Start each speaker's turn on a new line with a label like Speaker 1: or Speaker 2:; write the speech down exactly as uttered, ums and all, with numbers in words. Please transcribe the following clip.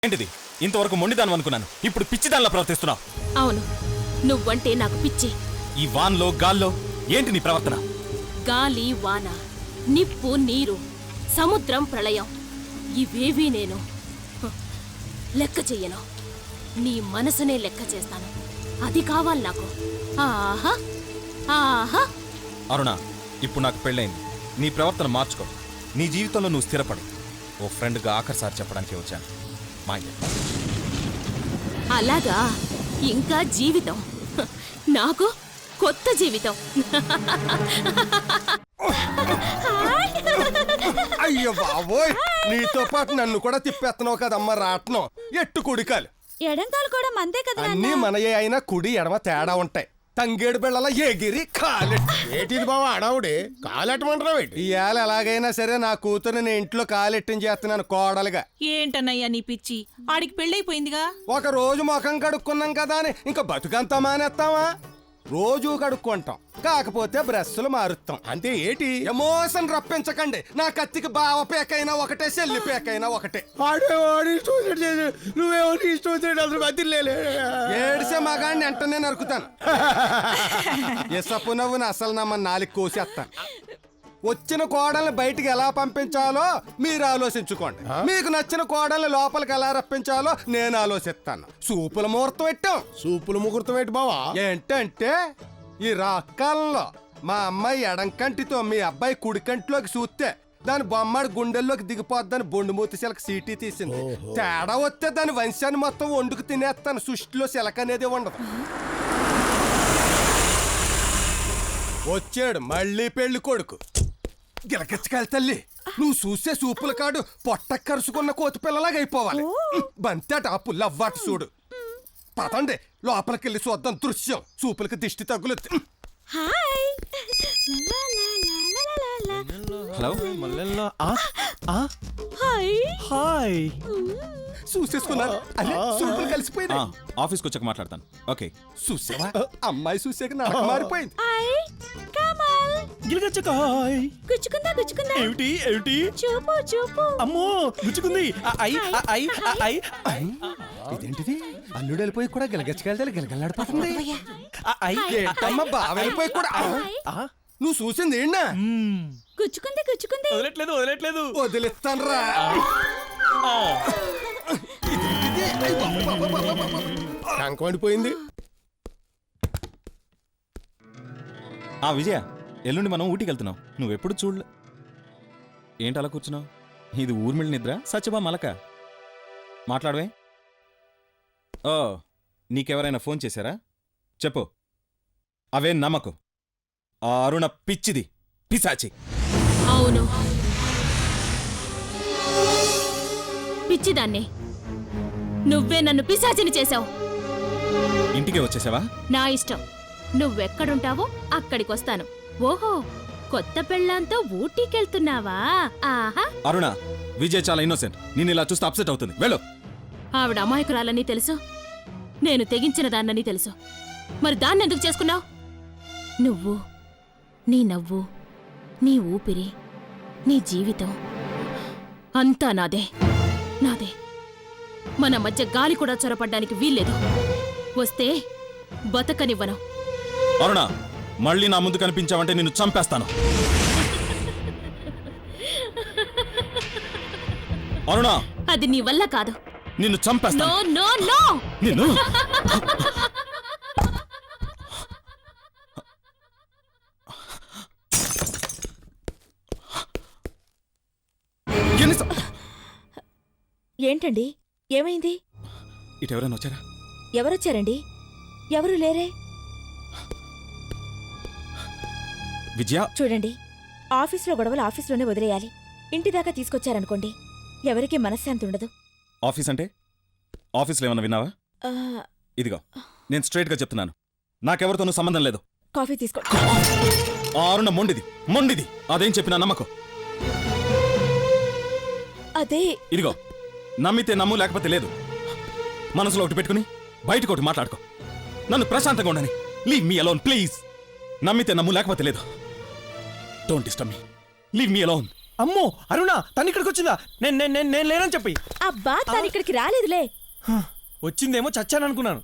Speaker 1: ఏంటిది? ఇంతవరకు మొండిదానం అనుకున్నాను, ఇప్పుడు పిచ్చిదానిలా ప్రవర్తిస్తున్నావు.
Speaker 2: అవును, నువ్వంటే నాకు పిచ్చి.
Speaker 1: ఈ వాన్లో గాల్లో ఏంటి నీ ప్రవర్తన?
Speaker 2: గాలి వాన, నిప్పు నీరు, సముద్రం ప్రళయం ఇవేవీ నేను హ, లెక్క చెయ్యను. నీ మనసునే లెక్క చేస్తాను. అది కావాలి నాకు. ఆహా ఆహా.
Speaker 1: అరుణ, ఇప్పుడు నాకు పెళ్ళైంది. నీ ప్రవర్తన మార్చుకో. నీ జీవితంలో నువ్వు స్థిరపడు. ఓ ఫ్రెండ్గా ఆఖరిసారి చెప్పడానికి వచ్చాను. మా
Speaker 2: అలాగా? ఇంకా జీవితం హ, నాకు కొత్త జీవితం.
Speaker 3: అయ్యో బాబోయ్, నీతో పాటు నన్ను కూడా తిప్పేస్తున్నావు కదమ్మా రాట్నం. ఎట్టు కుడికాలు
Speaker 2: ఎడంకాలు కూడా మందే కదా.
Speaker 3: అన్నీ మనయే అయినా కుడి ఎడమ తేడా ఉంటాయి. తంగేడు బిళ్ళల ఎగిరి కాలెట్టు.
Speaker 4: ఏటిది బావా అడావుడి కాలెట్టమంటావు ఏంటి?
Speaker 3: ఇవాళ ఎలాగైనా సరే నా కూతురు నేను ఇంట్లో కాలెట్టించి చేస్తున్నాను కోడలుగా.
Speaker 5: ఏంటన్నయ్యా నీ పిచ్చి? ఆడికి పెళ్ళైపోయిందిగా.
Speaker 3: ఒక రోజు ముఖం కడుక్కున్నాం కదా అని ఇంకా బతుకంతా మానేస్తావా? రోజు కడుక్కుంటాం, కాకపోతే బ్రష్లు మారుస్తాం.
Speaker 4: అంతే ఏటి?
Speaker 3: ఎమోషన్ రప్పించకండి. నా కత్తికి బావ పేకైనా ఒకటే, చెల్లి పేకైనా ఒకటే.
Speaker 4: నువ్వేమో ఇష్టం అసలు బతిలే.
Speaker 3: ఏడిసే మగాడిని వెంటనే నరుకుతాను. ఎసపు నవ్వుని అసలు నమ్మ నాలుగు కోసేస్తాను. వచ్చిన కోడల్ని బయటికి ఎలా పంపించాలో మీరు ఆలోచించుకోండి. మీకు నచ్చిన కోడల్ని లోపలికి ఎలా రప్పించాలో నేను ఆలోచిస్తాను. సూపుల ముహూర్తం పెట్టాం.
Speaker 4: సూపులు ముహూర్తం ఏంటి బావా?
Speaker 3: ఏంటంటే ఈ రాకాలంలో మా అమ్మాయి ఎడంకంటితో మీ అబ్బాయి కుడికంటిలోకి చూస్తే దాని బొమ్మడి గుండెల్లోకి దిగిపోద్దని బొండుమూతి శిలక సీటీ తీసింది. తేడా వస్తే దాని వంశాన్ని మొత్తం వండుకు తినేస్తాను. సృష్టిలో శిలక అనేది ఉండదు. వచ్చాడు మళ్ళీ పెళ్లి కొడుకు. గిలకెచ్చకాయలు తల్లి, నువ్వు చూసే సూపుల కాడు పొట్ట కరుసుకున్న కోతి పిల్లలాగా అయిపోవాలి. బంతేట ఆ పుల్ల అవ్వాటు చూడు. పదండి లోపలికెళ్ళి చూద్దాం దృశ్యం. సూపులకి దిష్టి తగ్గులు.
Speaker 1: Hello,
Speaker 2: hi.
Speaker 3: చూసేసుకున్నారు. అరే సూపులు కలిసిపోయినా.
Speaker 1: ఆఫీస్కి వచ్చాక మాట్లాడతాను. ఓకే.
Speaker 3: చూసావా, అమ్మాయి చూసాక నాకు మారిపోయింది.
Speaker 2: గుచ్చుకుందా గుచ్చుకుందా.
Speaker 6: ఏమిటి ఏమిటి?
Speaker 2: చూపు చూపు.
Speaker 6: అమ్మో గుచ్చుకుంది. ఐ ఐ ఐ ఐ
Speaker 3: ఇదేంటిది? అల్లుడు వెళ్ళిపోయి కూడా గిలగచ్చకాయలు గిలగలాడిపోతుంది.
Speaker 6: ఐ
Speaker 3: అమ్మ బావ వెళ్ళిపోయి కూడా. నువ్వు చూసింది ఏంటా?
Speaker 2: గుచ్చుకుంది గుచ్చుకుంది.
Speaker 6: వదలట్లేదు వదలట్లేదు.
Speaker 3: వదిలిస్తాను రా.
Speaker 4: కంకమండిపోయింది.
Speaker 1: ఆ విజయ, ఎల్లుండి మనం ఊటీకి వెళ్తున్నాం. నువ్వెప్పుడు చూడలే. ఏంటి అలా కూర్చున్నావు? ఇది ఊర్మిళ నిద్ర, సత్యభా మలక. మాట్లాడవే. ఓ, నీకెవరైనా ఫోన్ చేశారా? చెప్పు. అవే నమ్మకు. ఆ అరుణ పిచ్చిది, పిశాచి.
Speaker 2: అవును, పిచ్చిదాన్ని. నువ్వే నన్ను పిశాచిని చేశావు.
Speaker 1: ఇంటికే వచ్చేసావా?
Speaker 2: నా ఇష్టం. నువ్వెక్కడుంటావో అక్కడికొస్తాను. ఓహో, కొత్త పెళ్ళాంతో ఊటీకెళ్తున్నావా? ఆహా.
Speaker 1: అరుణ, విజయ్ చాలా ఇన్నోసెంట్. నేను ఇలా చూస్తే అప్సెట్ అవుతుంది. వెళ్ళు.
Speaker 2: ఆవిడ అమాయకురాలని తెలుసు, నేను తెగించిన దాన్నని తెలుసు. మరి దాన్ని ఎందుకు చేసుకున్నావు? నువ్వు, నీ నవ్వు, నీ ఊపిరి, నీ జీవితం అంతా నాదే నాదే. మన మధ్య గాలి కూడా చొరపడ్డానికి వీల్లేదు. వస్తే బతకనివ్వను.
Speaker 1: అరుణ, మళ్ళీ నా ముందు కనిపించావంటే నిన్ను చంపేస్తాను. అరుణ,
Speaker 2: అది నీ వల్ల కాదు.
Speaker 1: నిన్ను చంపేస్తాను.
Speaker 2: No no no.
Speaker 1: నిన్ను ఎన్ని స-
Speaker 7: ఏంటండి, ఏమైంది?
Speaker 1: ఇటెవరైనా వచ్చారా?
Speaker 7: ఎవరొచ్చారండి? ఎవరు లేరే.
Speaker 1: విజయ,
Speaker 7: చూడండి, ఆఫీస్లో గొడవలు ఆఫీస్లోనే వదిలేయాలి. ఇంటి దాకా తీసుకొచ్చారనుకోండి, ఎవరికీ మనశ్శాంతి ఉండదు.
Speaker 1: ఆఫీస్ అంటే? ఆఫీస్లో ఏమన్నా విన్నావా?
Speaker 7: ఆ,
Speaker 1: ఇదిగో, నేను స్ట్రైట్గా చెప్తున్నాను. నాకెవరితోనూ సంబంధం లేదు.
Speaker 7: కాఫీ తీసుకో.
Speaker 1: ఆ అరుణ మొండిది, మొండిది. అదేం చెప్పినా నమ్మకం.
Speaker 7: అదే.
Speaker 1: ఇదిగో, నమ్మితే నమ్ము, లేకపోతే లేదు. మనసులో ఒకటి పెట్టుకుని బయటకు ఒకటి మాట్లాడుకో. నన్ను ప్రశాంతంగా ఉండని. Leave me alone please. నమ్మితే నమ్ము, లేకపోతే లేదు. Don't disturb me. Leave me alone.
Speaker 6: అమ్మో అరుణ తను ఇక్కడికి వచ్చిందా నేను నేను నేను నేను లేనని చెప్పి
Speaker 7: అబ్బా తను ఇక్కడికి రాలేదులే.
Speaker 6: వచ్చిందేమో చచ్చాను అనుకున్నాను.